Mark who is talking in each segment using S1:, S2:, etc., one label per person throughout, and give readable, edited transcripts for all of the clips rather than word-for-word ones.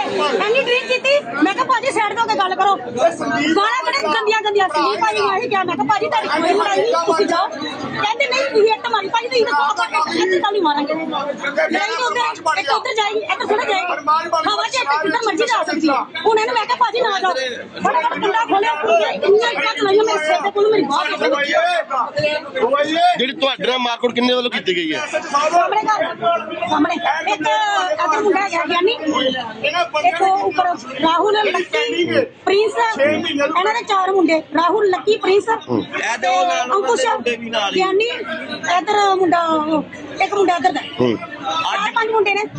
S1: ਐਨੀ drink ਕੀਤੀ। ਮੈਂ ਕਿਹਾ ਭਾਜੀ ਸਾਈਡ ਤੋਂ ਕੇ ਗੱਲ ਕਰੋ। ਗਾਲਾਂ ਬੜੇ ਗੰਦੀਆਂ ਸੰਦੀਪ ਭਾਜੀ ਨੇ ਇਹੀ ਕਿਹਾ। ਮੈਂ ਕਿਹਾ ਭਾਜੀ ਤੁਹਾਡੀ ਕੋਈ ਲੜਾਈ ਨਹੀਂ, ਤੁਸੀਂ ਜਾਓ। ਕਹਿੰਦੇ ਨਹੀਂ ਤੁਸੀਂ ਇੱਟ ਮਾਰੀ। ਭਾਜੀ ਤੁਸੀਂ ਦੱਸੋ ਆਪਾਂ ਇੱਥੇ ਤਾਂ ਨਹੀਂ ਮਾਰਾਂਗੇ। ਲੜਾਈ ਤੋਂ ਉੱਧਰ ਇੱਕ ਉੱਧਰ ਜਾਏਗੀ, ਇੱਧਰ ਥੋੜਾ ਜਾਏਗੀ। ਹਵਾ 'ਚ ਇੱਥੇ ਜਿੱਦਾਂ ਮਰਜ਼ੀ ਜਾ ਸਕਦੀ ਹੈ। ਹੁਣ ਇਹਨੂੰ ਮੈਂ ਕਿਹਾ ਭਾਜੀ ਨਾ ਜਾਓ। ਫਟਾਫਟ ਕੁੰਡਾ ਖੋਲਿਆ। ਇੰਨੀਆਂ ਇੱਟਾਂ ਚਲਾਈਆਂ ਮੇਰੇ ਸਿਰ ਤੇ, ਕੋਲ ਮੇਰੀ ਬਾਂਹ
S2: ਜਿਹੜੀ ਤੁਹਾਡੇ ਨਾਲ ਮਾਰਕੁੱਟ ਕਿੰਨੇ ਵੱਲੋਂ ਕੀਤੀ ਗਈ ਹੈ?
S1: ਸਾਹਮਣੇ ਸਾਹਮਣੇ ਇੱਕ ਅਦਰ ਮੁੰਡਾ ਹੈਗਾ ਗਿਆਨੀ, ਇੱਕ ਉੱਪਰ ਰਾਹੁਲ, ਲੱਕੀ, ਪ੍ਰਿੰਸ। ਇਹਨਾਂ ਦੇ 4 ਮੁੰਡੇ, ਰਾਹੁਲ, ਲੱਕੀ, ਪ੍ਰਿੰਸ, ਅੰਕੁਸ਼, ਗਿਆਨੀ। ਇਧਰ ਮੁੰਡਾ, ਇੱਕ ਮੁੰਡਾ ਇੱਧਰ ਦਾ। 4-5 ਮੁੰਡੇ ਨੇ।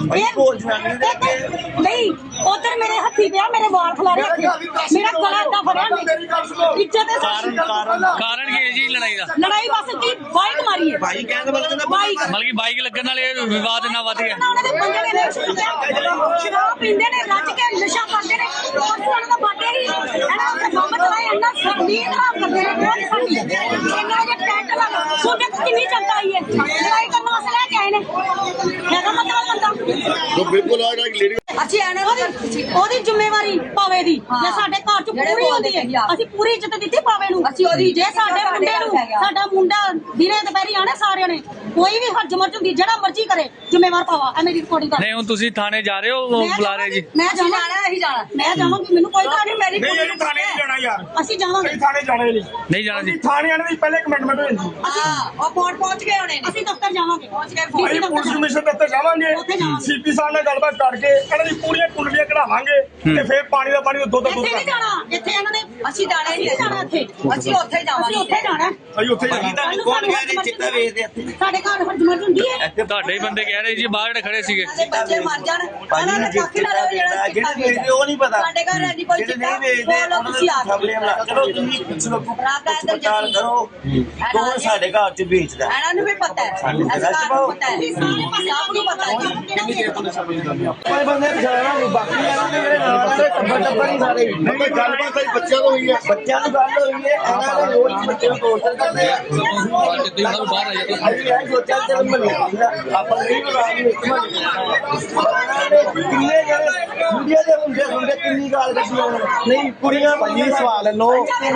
S1: ਨਹੀਂ ਉਧਰ ਮੇਰੇ ਹੱਥੀ ਪਿਆ, ਮੇਰੇ ਵਾਲ ਖਲਾਰੇ ਹੱਥੀ, ਮੇਰਾ ਗਲਾ ਏਦਾਂ ਫੜਿਆ। ਇੱਜ਼ਤ
S3: ਕਾਰਨ ਕੀ ਹੈ ਜੀ ਲੜਾਈ ਦਾ?
S1: ਲੜਾਈ ਬਸ ਕੀ ਬਾਈਕ ਮਾਰੀ ਹੈ।
S3: ਬਲਕਿ ਬਾਈਕ ਲੱਗਣ ਨਾਲ ਇਹ ਵਿਵਾਦ ਇੰਨਾ ਵੱਧ ਗਿਆ।
S1: ਉਹਨਾਂ ਦੇ ਬੰਦੇ ਨੇ ਸ਼ਰਾਬ ਪੀਂਦੇ ਨੇ, ਰੱਜ ਕੇ ਨਸ਼ਾ ਕਰਦੇ ਨੇ। ਉਹਨਾਂ ਦਾ ਬਾਟੇ ਹੀ ਇਹਨਾਂ ਦਾ ਕੰਮ ਚਲਾਏ, ਇੰਨਾ ਸੰਦੀਪ ਖਰਾਬ ਕਰਦੇ ਨੇ। ਬਹੁਤ ਸਾਡੀ ਇਹਨਾਂ ਦੇ ਟੈਂਟ ਲਾ ਸੋਨੇ ਕਿੰਨੀ ਚੰਗਾ ਆਈ ਹੈ। ਲੜਾਈ ਕਰਨ ਵਾਸਤੇ ਲੈ ਕੇ ਆਏ ਨੇ। ਇਹਦਾ ਮਤਲਬ ਬੰਦਾ
S2: ਬਿਲਕੁਲ ਆ ਲੇਡੀ
S1: ਅਸੀਂ ਉਹਦੀ ਜ਼ਿੰਮੇਵਾਰੀ ਪਾਵੇ ਦੀ। ਜੇ ਸਾਡੇ ਘਰ ਚ ਪੂਰੀ ਹੁੰਦੀ ਹੈ, ਅਸੀਂ ਪੂਰੀ ਇੱਜ਼ਤ ਦਿੱਤੀ ਪਾਵੇ ਨੂੰ। ਅਸੀਂ ਉਹਦੀ ਜੇ ਸਾਡੇ ਮੁੰਡੇ ਨੂੰ, ਸਾਡਾ ਮੁੰਡਾ ਦਿਨੇ ਦੁਪਹਿਰੀ ਆਣੇ ਸਾਰਿਆਂ ਨੇ, ਕੋਈ ਵੀ ਹਰਜ ਮਰਜ ਹੁੰਦੀ ਜਿਹੜਾ ਮਰਜ਼ੀ ਕਰੇ, ਜ਼ਿੰਮੇਵਾਰ ਪਾਵਾ। ਐ ਮੇਰੀ ਰਿਕਾਰਡਿੰਗ ਕਰ।
S3: ਨਹੀਂ ਹੁਣ ਤੁਸੀਂ ਥਾਣੇ ਜਾ ਰਹੇ ਹੋ, ਬੁਲਾ ਰਹੇ ਜੀ?
S1: ਮੈਂ ਜਾਣਾ, ਅਸੀਂ ਜਾਣਾ, ਮੈਂ ਜਾਵਾਂਗੀ। ਮੈਨੂੰ ਕੋਈ ਗੱਲ ਨਹੀਂ। ਮੇਰੀ
S4: ਨਹੀਂ ਥਾਣੇ ਨਹੀਂ ਜਾਣਾ ਯਾਰ,
S1: ਅਸੀਂ ਜਾਵਾਂਗੇ।
S4: ਥਾਣੇ ਜਾਣਾ
S3: ਨਹੀਂ ਜਾਣਾ ਜੀ।
S4: ਥਾਣੇ ਆਣੇ ਦੀ ਪਹਿਲੇ ਕਮਿਟਮੈਂਟ ਹੋ ਜਾਂਦੀ।
S1: ਉਹ ਕੋਰਟ ਪਹੁੰਚ ਗਏ ਹੋਣੇ। ਅਸੀਂ ਦਫ਼ਤਰ ਜਾਵਾਂਗੇ, ਪਹੁੰਚ ਗਏ।
S4: ਅਸੀਂ ਪੁਲਿਸ ਕਮਿਸ਼ਨ ਦਫ਼ਤਰ ਜਾਵਾਂਗੇ, ਸੀਪੀ ਸਾਹਿਬ ਨਾਲ ਗੱਲਬਾਤ ਕਰਕੇ ਇਹਨਾਂ ਦੀ ਪੂਰੀਆਂ ਕੁੰਡਲੀਆਂ ਕਢਾਵਾਂਗੇ ਤੇ ਫਿਰ ਪਾਣੀ ਦਾ ਪਾਣੀ ਦੁੱਧ ਦਾ ਦੁੱਧ
S1: ਇੱਥੇ ਨਹੀਂ ਜਾਣਾ। ਇੱਥੇ ਇਹਨਾਂ ਨੇ ਅਸੀਂ ਜਾਣਾ ਹੀ ਨਹੀਂ ਜਾਣਾ। ਇੱਥੇ ਅਸੀਂ ਉੱਥੇ ਜਾਵਾਂਗੇ। ਅਸੀਂ ਉੱਥੇ ਜਾਣਾ।
S4: ਅਸੀਂ ਉੱਥੇ ਜਾਣਾ।
S1: ਕੌਣ ਕਹਿ ਰਿਹਾ ਚਿੱਟਾ ਵੇਚਦੇ ਇੱਥੇ? ਸਾਡੇ ਘਰ ਹਰਜ ਮਰਜ ਹੁੰਦੀ ਹੈ।
S3: ਤੁਹਾਡੇ ਹੀ ਬੰਦੇ ਕਹਿ ਰਹੇ ਜੀ, ਬਾਹਰ ਜਿਹੜੇ ਖੜੇ ਸੀਗੇ।
S1: ਬੱਚੇ ਮਰ ਜਾਣ, ਉਹਨਾਂ ਨੇ ਕਾਫੀ ਨਾਲ ਜਿਹੜਾ ਚਿੱਟਾ ਵੇਚਦੇ ਉਹ ਨਹੀਂ ਪਤਾ। ਸਾਡੇ ਘਰ ਹੈ ਜੀ ਕੋਈ ਚਿੱਟਾ ਵੇਚਦੇ, ਤੁਸੀਂ ਆ
S5: ਚਲੋ ਤੁਸੀਂ ਪੁੱਛ ਲਓ ਪੜਤਾਲ ਕਰੋ ਕੌਣ ਸਾਡੇ ਘਰ ਚ ਵੇਚਦਾ।
S1: ਇਹਨਾਂ ਨੂੰ ਵੀ ਪਤਾ ਹੈ, ਸਾਨੂੰ ਪਤਾ ਹੈ, ਸਭ ਨੂੰ ਪਤਾ ਹੈ।
S5: ਕੋਈ ਬੰਦੇ ਜਾਣਾ ਨਹੀਂ, ਬਾਕੀ ਜਿਹੜੇ ਨਾਲ ਦੇ ਟੱਬਰ ਹੀ ਸਾਰੇ
S2: ਗੱਲਬਾਤ ਆਈ ਬੱਚਿਆਂ ਤੋਂ ਹੋਈ ਹੈ।
S5: ਬੱਚਿਆਂ ਦੀ ਗੱਲ ਹੋਈ ਹੈ। ਇਹਨਾਂ ਦੇ ਰੋਜ਼ ਬੱਚੇ ਨੂੰ ਟੋਰਚਰ ਕਰਦੇ ਆ। ਅਸੀਂ ਇਹ ਸੋਚਿਆ ਚੱਲ ਮਹੱਲੇ ਆਪਾਂ ਨਹੀਂ ਬੁਲਾਉਣੀ ਇੱਕ ਮਹੱਲੇ ਕਿੰਨੇ ਜਿਹੜੇ ਮੁੰਡਿਆਂ ਦੇ ਹੁੰਦੇ ਕਿੰਨੀ ਗਾਲ ਕੱਢੀ ਨਹੀਂ ਕੁੜੀਆਂ ਭਾਜੀ ਸਵਾਲ ਲੋ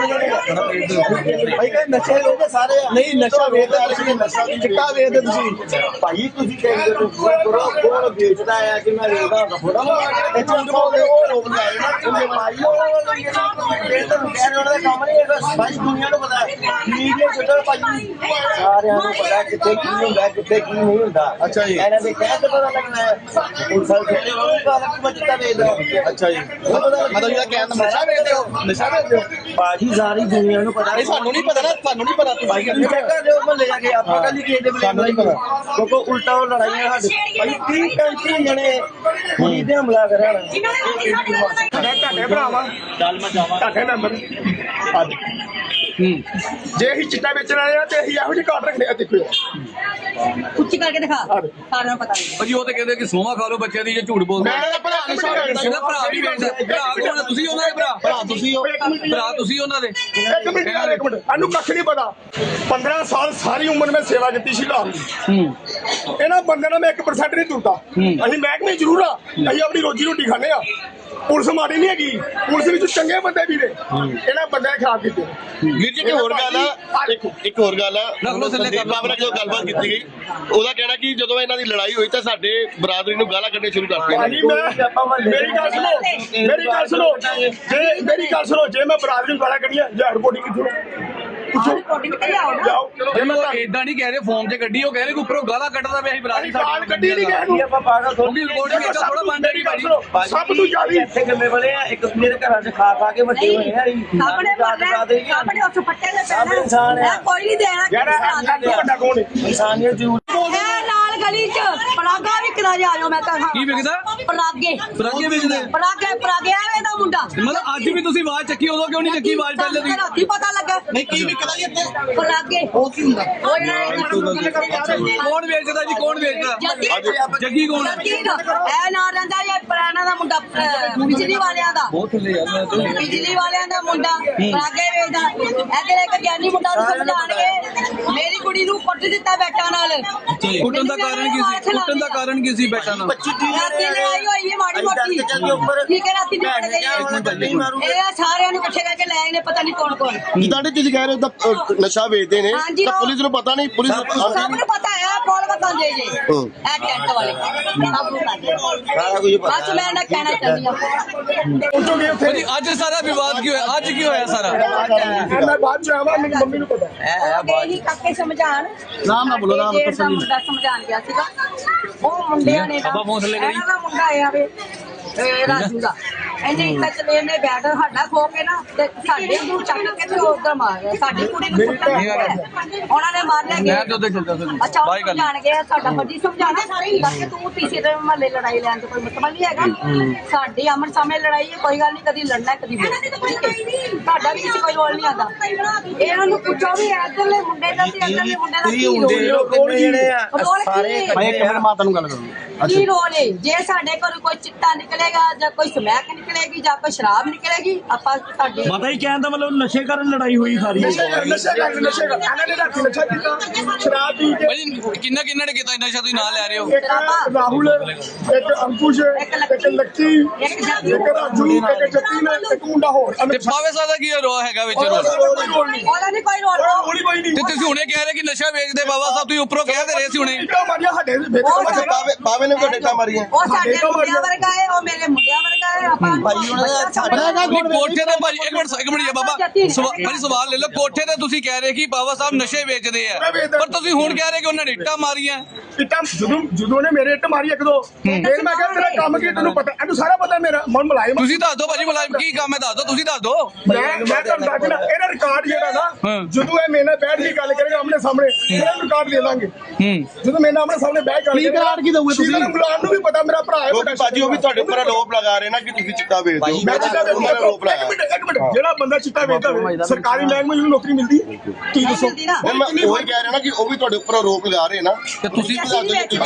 S5: ਭਾਈ ਕਹਿੰਦੇ ਨਸ਼ੇ ਵੇਚਦੇ ਸਾਰੇ ਨਹੀਂ ਨਸ਼ਾ ਵੇਚਦੇ ਤੁਸੀਂ ਨਸ਼ਾ ਚਿੱਟਾ ਵੇਚਦੇ ਤੁਸੀਂ ਭਾਈ ਤੁਸੀਂ ਕਹਿੰਦੇ ਹੋ ਕੋਣ ਵੇਚਦਾ ਆ ਕਿ ਮੈਂ ਵੇਚਦਾ ਥੋੜਾ ਇਹ ਝੂਠ ਬੋਲਦੇ ਉਹ ਰੋਕ ਲਿਆਏ ਨਾ ਉਹਦੇ ਭਾਈ ਇਹ ਤਾਂ ਕਹਿ ਰਹੇ ਉਹਨਾਂ ਦਾ ਕੰਮ ਨਹੀਂ ਹੈਗਾ ਭਾਈ ਦੁਨੀਆ ਨੂੰ ਪਤਾ ਮੀਡੀਆ ਛੱਡੋ ਭਾਈ ਸਾਰਿਆਂ ਨੂੰ ਪਤਾ ਕਿੱਥੇ ਕੀ ਹੁੰਦਾ ਕਿੱਥੇ ਕੀ ਨਹੀਂ ਹੁੰਦਾ ਅੱਛਾ ਜੀ ਇਹਨਾਂ ਦੇ ਕਹਿ ਤੇ ਪਤਾ ਲੱਗਣਾ ਹੈ ਪੁਲਿਸ ਵਾਲੇ ਕਹਿੰਦੇ ਉਹ ਗੱਲ ਕਿ ਮੈਂ ਚਿੱਟਾ ਵੇਚਦਾ ਅੱਛਾ ਜੀ ਮਤਲਬ ਜਿਹੜਾ ਕਹਿਣ ਦਾ ਨਸ਼ਾ ਵੇਚਦੇ ਹੋ ਭਾਜੀ ਸਾਰੀ ਦੁਨੀਆ ਨੂੰ ਪਤਾ ਨਹੀਂ ਸਾਨੂੰ ਨਹੀਂ ਪਤਾ ਨਾ ਤੁਹਾਨੂੰ ਨਹੀਂ ਪਤਾ ਭਾਈ ਤੁਸੀਂ ਚੈੱਕ ਕਰ ਲਿਓ ਮਹੱਲੇ ਜਾ ਕੇ ਆਪਾਂ ਕੱਲ ਹੀ ਕਿਸੇ ਦੇ ਬਲੇ ਨਹੀਂ ਪਤਾ ਕਿਉਂਕਿ ਉਲਟਾ ਉਹ ਲੜਾਈਆਂ ਸਾਡੇ ਭਾਈ 30-35 ਜਣੇ ਕੁੜੀ ਤੇ ਹਮਲਾ ਕਰਿਆ
S4: ਤੁਹਾਡੇ ਭਰਾਵਾ
S5: ਚੱਲ ਮੈਂ ਜਾਵਾਂ
S4: ਤੁਹਾਡੇ ਮੈਂਬਰ ਅੱਜ ਜੇ ਅਸੀਂ ਚਿੱਟਾ ਵੇਚਣ ਵਾਲੇ ਆ ਤੇ ਅਸੀਂ ਇਹੋ ਜਿਹੇ ਕਾਰਡ ਰੱਖਦੇ ਆ। ਦੇਖੋ
S1: ਉੱਚੀ ਕਰਕੇ ਦਿਖਾ, ਸਾਰਿਆਂ ਨੂੰ ਪਤਾ ਨਹੀਂ।
S3: ਭਾਜੀ ਉਹ ਤਾਂ ਕਹਿੰਦੇ ਕਿ ਸੋਮਾ ਖਾ ਲਓ ਬੱਚਿਆਂ ਦੀ, ਜੇ ਝੂਠ ਬੋਲਦੇ।
S4: ਮੇਰਾ ਭਰਾ
S3: ਇਹਦਾ ਭਰਾ ਵੀ ਵੇਚਦਾ। ਭਰਾ ਕੌਣ? ਤੁਸੀਂ ਉਹਨਾਂ ਦੇ ਭਰਾ ਤੁਸੀਂ ਹੋ, ਭਰਾ ਤੁਸੀਂ ਉਹਨਾਂ ਦੇ।
S4: ਇੱਕ ਮਿੰਟ ਇਹਨੂੰ ਕੱਖ ਨਹੀਂ ਪਤਾ। 15 ਸਾਲ ਸਾਰੀ ਉਮਰ ਮੈਂ ਸੇਵਾ ਕੀਤੀ ਸੀ ਲਾਹੌਰ ਦੀ। ਇਹਨਾਂ ਬੰਦਿਆਂ ਨਾਲ ਮੈਂ 1% ਨਹੀਂ ਤੁਰਦਾ। ਅਸੀਂ ਮਹਿਕਮੇ ਜ਼ਰੂਰ ਆ, ਅਸੀਂ ਆਪਣੀ ਰੋਜੀ ਰੋਟੀ ਖਾਂਦੇ ਆ। ਪੁਲਿਸ ਮਾੜੀ ਨਹੀਂ ਹੈਗੀ, ਪੁਲਿਸ ਵਿੱਚ ਚੰਗੇ ਬੰਦੇ ਵੀ ਨੇ। ਇਹਨਾਂ ਬੰਦਿਆਂ ਨੇ ਖਰਾਬ ਕੀਤੇ।
S2: ਵੀਰ ਜੀ ਇੱਕ ਹੋਰ ਗੱਲ ਆ, ਇੱਕ ਹੋਰ ਗੱਲ ਆ। ਸੰਦੀਪ ਬਾਬੂ ਨਾਲ ਜਦੋਂ ਗੱਲਬਾਤ ਕੀਤੀ ਗਈ ਉਹਦਾ ਕਹਿਣਾ ਕਿ ਜਦੋਂ ਇਹਨਾਂ ਦੀ ਲੜਾਈ ਹੋਈ ਤਾਂ ਸਾਡੇ ਬਰਾਦਰੀ ਨੂੰ ਗਾਲਾਂ ਕੱਢਣੀਆਂ ਸ਼ੁਰੂ ਕਰਤੀਆਂ।
S4: ਮੇਰੀ ਗੱਲ ਸੁਣੋ, ਜੇ ਮੈਂ ਬਰਾਦਰੀ ਨੂੰ ਗਾਲਾਂ ਕੱਢੀਆਂ ਜਾਂ ਰਿਪੋਰਟਿੰਗ ਕਿੱਥੋਂ
S3: ਏਦਾਂ ਨਹੀਂ ਕਹਿ ਰਹੇ ਫੋਨ ਤੇ ਗੱਡੀ, ਉਹ ਕਹਿ ਰਹੇ ਕਿ ਉੱਪਰੋਂ ਗਾਲਾਂ ਕੱਢਦਾ ਪਿਆ ਸੀ ਬਰਾਦਰੀ
S4: ਗਾਲ ਕੱਢੀ ਨਹੀਂ ਕਹਿ
S5: ਆਪਾਂ ਪਾਗਲ
S3: ਕਿਉਂਕਿ ਰਿਕਾਰਡਿੰਗ ਏਦਾਂ ਥੋੜਾ ਬੰਦ
S4: ਮੇਰੀ ਗੱਲ ਸੁਣੋ, ਸਭ ਤੋਂ ਜ਼ਿਆਦਾ
S5: ਇੱਥੇ ਗੰਦੇ ਬਣੇ ਆ ਇੱਕ ਦੂਜੇ ਦੇ ਘਰਾਂ 'ਚ ਖਾ ਕੇ ਵੱਡੇ ਹੋਏ ਆ
S1: ਆਪਣੇ ਉਸ ਪੱਟੇ ਦੇ
S5: ਸਭ ਇਨਸਾਨ ਹੈ
S1: ਕੋਈ ਨਹੀਂ ਦੇਣਾ।
S4: ਯਾਰ ਵੱਡਾ ਕੌਣ ਹੈ?
S5: ਇਨਸਾਨੀਅਤ ਜ਼ਰੂਰ
S1: ਨਾਲ ਗਲੀ ਚ ਪਰਾਗਾ ਵਿਕਦਾ ਜਾ ਜਾਓ। ਮੈਂ ਤਾਂ
S3: ਕੀ ਵਿਕਦਾ?
S1: ਪਰਾਗੇ
S3: ਪਰਾਗੇ ਵੇਚਦੇ?
S1: ਪਰਾਗੇ ਐਵੇਂ ਦਾ ਮੁੰਡਾ
S3: ਮਤਲਬ ਅੱਜ ਵੀ ਤੁਸੀਂ ਆਵਾਜ਼ ਚੱਕੀ, ਉਦੋਂ ਕਿਉਂ ਨਹੀਂ ਚੱਕੀ ਆਵਾਜ਼ ਪਹਿਲੇ ਦੀ?
S1: ਰਾਤੀ ਪਤਾ ਲੱਗਾ
S5: ਨਹੀਂ ਕੀ ਵਿਕਦਾ ਜੀ ਇੱਥੇ
S1: ਪਰ ਲੱਗੇ
S5: ਉਹ ਕੀ ਹੁੰਦਾ
S3: ਕੌਣ ਵੇਚਦਾ ਜੀ, ਕੌਣ ਵੇਚਦਾ? ਜੱਗੀ ਕੌਣ ਹੈ?
S1: ਇਹ ਨਾ ਰਹਿੰਦਾ ਇਹ ਪੁਰਾਣਾ ਦਾ ਮੁੰਡਾ ਬਿਜਲੀ ਵਾਲਿਆਂ ਦਾ,
S3: ਬਹੁਤ ਥੱਲੇ ਯਾਰ
S1: ਬਿਜਲੀ ਵਾਲਿਆਂ ਦਾ ਮੁੰਡਾ ਪਰਾਗੇ ਵੇਚਦਾ। ਇੱਧਰ ਇੱਕ ਗਿਆਨੀ ਮੁੰਡਾ ਨੂੰ ਸਮਝਾਣਗੇ ਮੇਰੀ ਕੁੜੀ ਨੂੰ ਕੁੱਟ ਦਿੱਤਾ ਬੈਟਾਂ ਨਾਲ।
S3: ਕੁੱਟਣ ਦਾ ਕਾਰਨ ਕੀ ਸੀ? ਕੁੱਟਣ ਦਾ ਕਾਰਨ ਕੀ ਸੀ ਬੈਟਾ ਨਾਲ?
S1: ਰਾਤੀ ਲੜਾਈ ਹੋਈ ਹੈ ਮਾੜੀ ਮੋਟੀ, ਠੀਕ ਹੈ ਰਾਤੀ ਨਿਕਲ ਗਈ। ਇਹ ਸਾਰਿਆਂ ਨੂੰ ਇਕੱਠੇ ਕਰਕੇ ਲੈ ਆਏ ਨੇ, ਪਤਾ ਨਹੀਂ ਕੌਣ ਕੌਣ।
S2: ਜਿੱਦਾਂ ਦੇ ਤੁਸੀਂ ਕਹਿ ਰਹੇ ਹੋ ਤਾਂ ਨਸ਼ਾ ਵੇਚਦੇ ਨੇ
S1: ਹਾਂਜੀ,
S2: ਤਾਂ
S1: ਉਹ-
S2: ਪੁਲਿਸ ਨੂੰ ਪਤਾ ਨਹੀਂ, ਪੁਲਿਸ
S1: ਸਭ ਨੂੰ ਪਤਾ ਹੈ ਕੋਲ ਬਤਾਉਂਦੇ ਜੇ ਇਹ ਟੈਂਟ ਵਾਲੇ ਸਭ ਨੂੰ ਪਤਾ। ਬਸ ਮੈਂ ਨਾ ਕਹਿਣਾ ਚਾਹੁੰਦੀ ਹਾਂ
S4: ਪਹੁੰਚੋਗੇ ਉੱਥੇ
S3: ਭਾਜੀ ਅੱਜ ਸਾਰਾ ਵਿਵਾਦ ਕੀ ਹੋਇਆ? ਅੱਜ ਕੀ ਹੋਇਆ ਸਾਰਾ?
S4: ਮੈਂ ਬਾਅਦ ਚ ਆਵਾਂ, ਮੇਰੀ ਮੰਮੀ ਨੂੰ ਪਤਾ
S1: ਉਹ ਗਏ ਹੀ ਕਾਕੇ ਸਮਝਾਣ,
S5: ਨਾਮ ਨਾ ਬੋਲੋ, ਨਾਮ
S1: ਜੇਠ ਦਾ ਮੁੰਡਾ ਸਮਝਾਣ ਗਿਆ ਸੀਗਾ। ਉਹ ਮੁੰਡਿਆਂ ਨੇ ਨਾ
S3: ਬਾਬਾ ਫੋਨ ਥੱਲੇ ਕਰੀ।
S1: ਇਹਨਾਂ ਦਾ ਮੁੰਡਾ ਆਇਆ ਵੇ ਰਾਜੂ ਦਾ, ਇਹਨੇ ਇੱਥੇ ਚਲੇ ਨੇ ਬੈਠ ਸਾਡਾ ਖੋ ਕੇ ਨਾ ਤੇ ਸਾਡੇ ਨੂੰ ਚੱਕ ਕੇ ਤੇ ਉਧਰ ਮਾਰ ਗਿਆ। ਸਾਡੀ ਕੁੜੀ ਨੂੰ ਕੁੱਟਣ ਗਿਆ, ਉਹਨਾਂ ਨੇ ਮਾਰ ਲਿਆ
S3: ਮੈਂ ਤੇ ਉੱਧਰ ਚੱਲਦਾ ਸੀ।
S1: ਅੱਛਾ ਉਹ
S3: ਬਾਈ ਗੱਲ
S1: ਸਮਝਾਣ ਗਏ ਸਾਡਾ ਫਰਜੀ ਸਮਝਾਣਾ ਸਾਰੇ ਹੀ ਕਿ ਤੂੰ ਤੀਸਰੇ ਦੇ ਮਹੱਲੇ ਲੜਾਈ ਲੈਣ ਤੇ ਕੋਈ ਮਤਲਬ ਨਹੀਂ ਹੈਗਾ। ਸਾਡੀ ਅਮਰ ਸਾਹਮਣੇ ਲੜਾਈ ਹੈ, ਕੋਈ ਗੱਲ ਨਹੀਂ, ਕਦੀ ਲੜਨਾ ਕਦੀ ਸਾਡਾ ਵੀ ਕਿਸੇ ਕੋਈ ਰੋਲ ਨਹੀਂ ਆਉਂਦਾ। ਇਹਨਾਂ ਨੂੰ ਪੁੱਛੋ ਵੀ ਇੱਧਰਲੇ ਮੁੰਡੇ ਦਾ ਤੇ ਇੱਧਰਲੇ ਮੁੰਡੇ ਦਾ ਕੀ ਰੋਲ
S5: ਜਿਹੜੇ ਆ
S1: ਸਾਰੇ
S5: ਮੈਂ ਇੱਕ ਮਿੰਟ ਮਾਤਾ ਨੂੰ ਗੱਲ ਕਰੂੰਗਾ।
S1: ਕੀ ਰੋਲ ਹੈ? ਜੇ ਸਾਡੇ ਕੋਲ ਕੋਈ ਚਿੱਟਾ ਨਿਕਲੇਗਾ ਜਾਂ ਕੋਈ ਸਮੈਕ ਨਿਕਲੇਗੀ ਜਾਂ ਕੋਈ ਸ਼ਰਾਬ ਨਿਕਲੇਗੀ, ਆਪਾਂ ਸਾਡੇ
S6: ਮਾਤਾ ਜੀ ਕਹਿਣ ਦਾ ਮਤਲਬ ਨਸ਼ੇ ਕਾਰਨ ਲੜਾਈ ਹੋਈ ਸਾਰੀ।
S4: ਨਸ਼ੇ ਕਰ ਇਹਨਾਂ ਨੇ ਰਾਤੀ ਨਸ਼ਾ ਕੀਤਾ, ਸ਼ਰਾਬ ਪੀ ਕੇ।
S3: ਭਾਜੀ ਕਿੰਨਾ ਕਿੰਨਾ ਨੇ ਕੀਤਾ ਨਸ਼ਾ, ਤੁਸੀਂ ਨਾਂ ਲੈ ਰਹੇ ਹੋ?
S4: ਇੱਕ ਰਾਹੁਲ, ਇੱਕ ਅੰਕੁਸ਼, ਇੱਕ ਲੱਕੀ, ਇੱਕ ਰਾਜੂ, ਇੱਕ ਜੱਤੀ ਨੇ, ਇੱਕ ਮੁੰਡਾ ਹੋਰ।
S3: ਤੇ ਪਾਵੇ ਸਾਹਿਬ ਦਾ ਕੀ ਰੋਲ ਹੈਗਾ ਵਿੱਚ ਰੋਲ?
S1: ਉਹਦਾ ਨਹੀਂ ਕੋਈ ਰੋਲ।
S4: ਕੋਈ ਨਹੀਂ
S3: ਤੇ ਤੁਸੀਂ ਹੁਣੇ ਕਹਿ ਰਹੇ ਕਿ ਨਸ਼ਾ ਵੇਚਦੇ ਬਾਬਾ ਸਾਹਿਬ, ਤੁਸੀਂ ਉੱਪਰੋਂ ਕਹਿ ਦੇ ਰਹੇ ਸੀ ਹੁਣੇ।
S4: ਇੱਟਾਂ ਮਾਰੀਆਂ ਸਾਡੇ ਵਿੱਚ।
S2: ਬਾਵੇ ਨੇ ਕੋਈ ਡੇਟਾ ਮਾਰੀਆਂ।
S1: ਉਹ ਸਾਡੇ ਮੁੰਡਿਆਂ ਵਰਗਾ ਹੈ, ਉਹ ਮੇਰੇ ਮੁੰਡਿਆਂ ਵਰਗਾ ਹੈ। ਆਪਾਂ
S3: ਨਹੀਂ ਕੋਠੇ ਤੇ ਭਾਜੀ ਇੱਕ ਮਿੰਟ ਜੀ ਬਾਬਾ ਭਾਜੀ ਸਵਾਲ ਲੈ ਲਓ। ਕੋਠੇ ਤੇ ਤੁਸੀਂ ਕਹਿ ਰਹੇ ਕਿ ਬਾਬਾ ਸਾਹਿਬ ਨਸ਼ੇ ਵੇਚਦੇ ਆ, ਪਰ ਤੁਸੀਂ ਹੁਣ ਕਹਿ ਰਹੇ ਕਿ ਉਹਨਾਂ ਨੇ ਇੱਟਾਂ ਮਾਰੀਆਂ।
S4: ਇੱਟਾਂ ਜਦੋਂ ਨੇ ਮੇਰੇ ਇੱਟ ਮਾਰੀ ਇੱਕ ਦੋ, ਫਿਰ ਮੈਂ ਕਿਹਾ ਤੇਰਾ ਕੰਮ ਕੀ, ਤੈਨੂੰ ਪਤਾ, ਇਹਨੂੰ ਸਾਰਾ ਪਤਾ ਮੇਰਾ ਮਨ ਮਲਾਇਮ।
S3: ਤੁਸੀਂ ਦੱਸ ਦਿਓ ਭਾਜੀ ਮੁਲਾਜ਼ਮ ਕੀ ਕੰਮ ਹੈ, ਦੱਸ ਦਿਓ, ਤੁਸੀਂ ਦੱਸ ਦਿਓ।
S4: ਮੈਂ ਤੁਹਾਨੂੰ ਦੱਸਣਾ ਇਹਦਾ ਰਿਕਾਰਡ ਜਿਹੜਾ ਨਾ, ਜਦੋਂ ਇਹ ਮੇਰੇ ਨਾਲ ਬੈਠ ਕੇ ਗੱਲ ਕਰੇਗਾ ਆਮਣੇ ਸਾਹਮਣੇ, ਇਹਦਾ ਰਿਕਾਰਡ ਦੇ ਦਾਂਗੇ। ਜਦੋਂ ਮੇਰੇ ਨਾਲ ਆਮਣੇ ਸਾਹਮਣੇ ਬੈਠ ਕੇ
S5: ਰਿਕਾਰਡ ਕੀ ਦਊਗੇ ਤੁਸੀਂ?
S4: ਮੁਲਾਜ਼ਮ ਨੂੰ ਵੀ ਪਤਾ ਮੇਰਾ ਭਰਾ ਹੈ।
S2: ਕਿਉਂਕਿ ਭਾਜੀ ਉਹ ਵੀ ਤੁਹਾਡੇ ਉੱਪਰ ਆਰੋਪ ਲਗਾ ਰਹੇ ਨਾ ਕਿ ਤੁਸੀਂ ਚਿੱਟਾ ਵੇਚਦੇ ਹੋ।
S4: ਮੈਂ ਚਿੱਟਾ ਵੇਚਦਾ।
S2: ਆਰੋਪ ਲਾਇਆ।
S4: ਇੱਕ ਮਿੰਟ, ਜਿਹੜਾ ਬੰਦਾ ਚਿੱਟਾ ਵੇਚਦਾ ਹੋਵੇ ਸਰਕਾਰੀ ਮਹਿਕਮੇ ਨੂੰ ਨੌਕਰੀ ਮਿਲਦੀ? ਤੁਸੀਂ ਦੱਸੋ।
S2: ਮੈਂ ਉਹੀ ਕਹਿ ਰਿਹਾ ਨਾ ਕਿ ਉਹ ਵੀ ਤੁਹਾਡੇ ਉੱਪਰ ਆਰੋਪ ਲਗਾ ਰਹੇ ਨਾ
S3: ਤੇ ਤੁਸੀਂ
S4: ਇੱਕ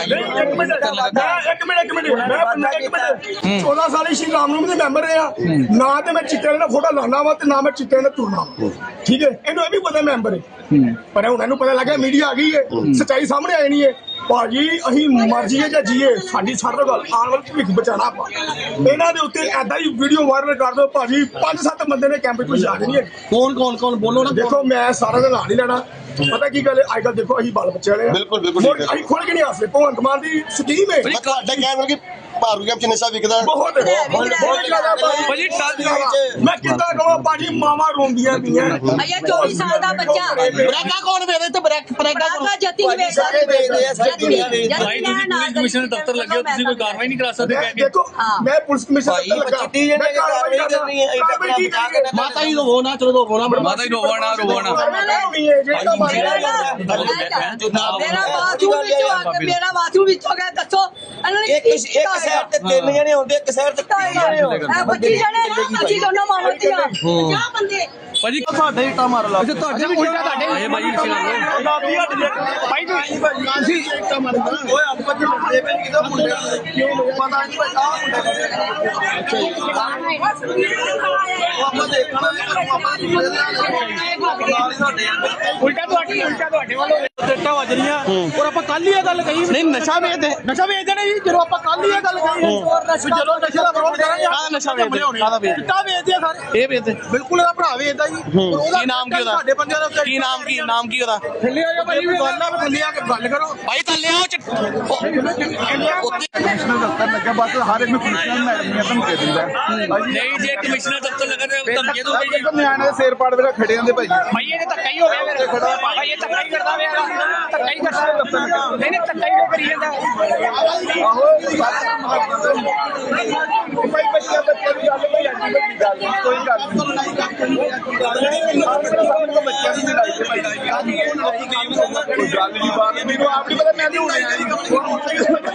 S4: ਮਿੰਟ, ਮੈਂ 14 ਸਾਲ ਸ਼੍ਰੀ ਰਾਮ ਨੂੰ ਦੇ ਮੈਂਬਰ ਰਿਹਾ ਨਾ, ਤੇ ਮੈਂ ਚਿੱਟੇ ਨਾਲ ਫੋਟੋ ਲਾਣਾ ਵਾ ਤੇ ਨਾ ਮੈਂ ਚਿੱਟੇ ਨਾਲ ਤੁਰਨਾ। ਠੀਕ ਹੈ, ਇਹਨੂੰ ਇਹ ਵੀ ਪਤਾ ਮੈਂਬਰ ਹੈ, ਪਰ ਹੁਣ ਇਹਨੂੰ ਪਤਾ ਲੱਗਾ ਮੀਡੀਆ ਆ ਗਈ ਹੈ, ਸੱਚਾਈ ਸਾਹਮਣੇ ਆਈ ਨਹੀਂ ਹੈ। ਭਾਜੀ ਅਸੀਂ ਮਰ ਜੀਏ ਜਾਂ ਜੀਏ, ਸਾਡੀ ਸਾਡਾ ਗੱਲ ਆਉਣ ਵਾਲੇ ਭਵਿੱਖ ਬਚਾਣਾ ਆਪਾਂ। ਇਹਨਾਂ ਦੇ ਉੱਤੇ ਐਦਾਂ ਹੀ ਵੀਡੀਓ ਵਾਇਰਲ ਕਰ ਦਿਓ ਭਾਜੀ, 5-7 ਬੰਦੇ ਨੇ ਕੈਂਪ ਵਿੱਚ ਜਾ ਨਹੀਂ ਹੈ।
S5: ਕੌਣ ਬੋਲੋ ਨਾ।
S4: ਦੇਖੋ ਮੈਂ ਸਾਰਾ ਦਾ ਨਾਂ ਨਹੀਂ ਲੈਣਾ, ਪਤਾ ਕੀ ਗੱਲ ਹੈ, ਅੱਜ ਕੱਲ ਦੇਖੋ ਅਸੀਂ ਬਾਲ ਬੱਚੇ ਵਾਲੇ ਆ।
S2: ਬਿਲਕੁਲ, ਬਿਲਕੁਲ
S4: ਮੁੜ ਅਸੀਂ ਖੁੱਲ ਕੇ ਨਹੀਂ ਹੱਸਦੇ। ਭਗਵੰਤ ਮਾਨ ਦੀ ਸਕੀਮ ਹੈ
S2: ਮੈਂ ਤੁਹਾਡਾ ਕਹਿਣ ਕਿ ਭਾਰੂ ਕੈਂਪ ਚ ਨਸ਼ਾ ਵਿਕਦਾ।
S4: ਬਹੁਤ ਜ਼ਿਆਦਾ
S3: ਭਾਜੀ
S4: ਮੈਂ ਕਿੱਦਾਂ ਕਹਾਂ ਭਾਜੀ, ਮਾਵਾਂ ਰੋਂਦੀਆਂ ਪਈਆਂ।
S1: ਅయ్యਾ 24 ਸਾਲ ਦਾ ਬੱਚਾ
S5: ਬ੍ਰੇਕਾਂ ਕੌਣ ਵੇਚਦੇ ਤੇ ਬ੍ਰੇਕਾਂ
S1: ਬਾਬਾ ਜੱਤੀ ਨੂੰ ਵੇਚਦਾ।
S5: ਸਾਰੇ ਵੇਚਦੇ ਆ, ਸਾਰੇ ਦੁਨੀਆ ਵੇਚਦੀ ਆ।
S1: ਭਾਈ ਤੁਸੀਂ ਪੁਲਿਸ ਕਮਿਸ਼ਨਰ ਦਫ਼ਤਰ ਲੱਗੇ ਹੋ, ਤੁਸੀਂ ਕੋਈ ਕਾਰਵਾਈ ਨਹੀਂ ਕਰਾ
S4: ਦੇਖੋ ਮੈਂ ਪੁਲਿਸ ਕਮਿਸ਼ਨਰ
S5: ਭਾਈ
S4: ਲੱਗਾ,
S5: ਚਿੱਟੀ ਜਿਹਨੇ
S4: ਮੈਂ
S5: ਕਾਰਵਾਈ ਕਰਨੀ ਹੈ,
S4: ਕਾਰਵਾਈ ਕੀ ਕਰਨੀ ਹੈ?
S5: ਮਾਤਾ ਜੀ ਰੋਵੋ ਨਾ, ਚਲੋ ਰੋਵੋ ਨਾ।
S3: ਮਾਤਾ ਜੀ ਰੋਵੋ ਨਾ।
S1: ਮੇਰਾ ਬਾਥਰੂਮ ਵਿੱਚ ਹੋ ਗਿਆ, ਦੱਸੋ ਇਹਨਾਂ ਨੇ
S5: ਇੱਕ ਸਾਈਡ ਤੇ 3 ਜਣੇ ਹੁੰਦੇ, ਇੱਕ ਸਾਈਡ ਤੇ 3 ਜਣੇ ਹੁੰਦੇ।
S1: 25 ਜਣੇ ਅਸੀਂ ਦੋਨੋਂ ਮਾਰਦੀਆਂ 50 ਬੰਦੇ।
S3: ਭਾਜੀ
S5: ਤੁਹਾਡੇ ਇੱਟਾ ਮਾਰ ਲਾ।
S3: ਤੁਹਾਡੇ ਵੀ ਉਲਟਾ ਤੁਹਾਡੇ ਆਏ ਭਾਜੀ ਇਸੇ
S4: ਭਾਈ ਤੁਸੀਂ ਇੱਟਾ ਮਾਰਦਾ ਓਏ ਆਪਾਂ ਤੇ ਮੁੰਡੇ ਪੈ ਕਿਦੋਂ ਮੁੰਡੇ ਕਿਉਂ ਪਤਾ ਨਹੀਂ ਭਾਈ ਆਹ ਮੁੰਡਾ ਅੱਛਾ ਜੀ ਆਪਾਂ ਦੇਖਣਾ
S6: ਉਲਟਾ ਤੁਹਾਡੇ ਵੱਲੋਂ ਟੱਟਾ ਵੱਜ ਰਹੀਆਂ ਔਰ ਆਪਾਂ ਕੱਲ ਹੀ ਇਹ ਗੱਲ ਕਹੀ
S5: ਨਹੀਂ ਨਸ਼ਾ ਵੇਚਦੇ
S6: ਨੇ ਜੀ। ਜਦੋਂ ਆਪਾਂ ਕੱਲ ਹੀ ਇਹ ਗੱਲ ਕਹੀ ਜਦੋਂ ਨਸ਼ੇ ਦਾ ਵਿਰੋਧ ਕਰਾਂਗੇ
S5: ਕਾਹਦਾ ਨਸ਼ਾ ਵੇਚਦੇ? ਕਾਹਦਾ ਵੇਚਦੇ?
S6: ਚਿੱਟਾ ਵੇਚਦੇ ਆ ਸਾਰੇ।
S5: ਇਹ ਵੇਚਦੇ
S6: ਬਿਲਕੁਲ ਇਹਦਾ ਭਰਾ ਵੇਚਦਾ ਜੀ।
S5: ਕੀ ਨਾਮ ਕੀ ਉਹਦਾ?
S6: ਸਾਡੇ ਪੰਜਾਂ ਦੇ ਉੱਤੇ
S5: ਕੀ ਨਾਮ ਕੀ ਉਹਦਾ?
S6: ਥੱਲੇ ਆ ਜਾ ਭਾਈ, ਗੱਲ ਆ ਥੱਲੇ ਆ ਕੇ ਗੱਲ ਕਰੋ।
S5: ਭਾਈ ਥੱਲੇ ਆਓ।
S7: ਕਮਿਸ਼ਨਰ ਦਫ਼ਤਰ ਲੱਗਾ, ਬਸ ਹਰ ਇੱਕ ਨੂੰ ਕਮਿਸ਼ਨਰ ਮੈਡਮ ਨੇ ਧਮਕੀ ਦਿੰਦਾ।
S3: ਨਹੀਂ ਜੇ ਕਮਿਸ਼ਨਰ ਦਫ਼ਤਰ ਲੱਗਾ ਤੇ ਧਮਕੀ ਦੋਗੇ ਜੀ।
S7: ਨਿਆਣੇ ਦੇ ਸਿਰ ਪਾੜ ਵੇਲੇ ਖੜੇ ਹੁੰਦੇ ਭਾਈ।
S6: ਭਾਈ ਇਹ ਧੱਕਾ ਹੀ ਹੋ ਗਿਆ ਫਿਰ। ਭਾਈ ਇਹ ਧੱਕਾ ਹੀ ਕਰਦਾ ਪਿਆ, ਧੱਕਾ ਹੀ ਕਰਦਾ। ਨਹੀਂ ਧੱਕਾ ਹੀ ਕਰੀ ਜਾਂਦਾ।
S7: ਭਾਈ ਬੱਚਿਆਂ ਦੀ ਗੱਲ ਕੋਈ ਅੱਜ ਦੀ ਗੱਲ ਨਹੀਂ, ਕੋਈ ਗੱਲ ਨਹੀਂ। ਬੱਚਿਆਂ ਦੀ ਲੜਾਈ ਤੇ ਭਾਈ ਕੋਈ ਗੱਲ ਨਹੀਂ ਬਾਤ ਮੈਨੂੰ ਆਪ ਨਹੀਂ ਪਤਾ, ਮੈਂ ਨਹੀਂ ਹੋਣਾ।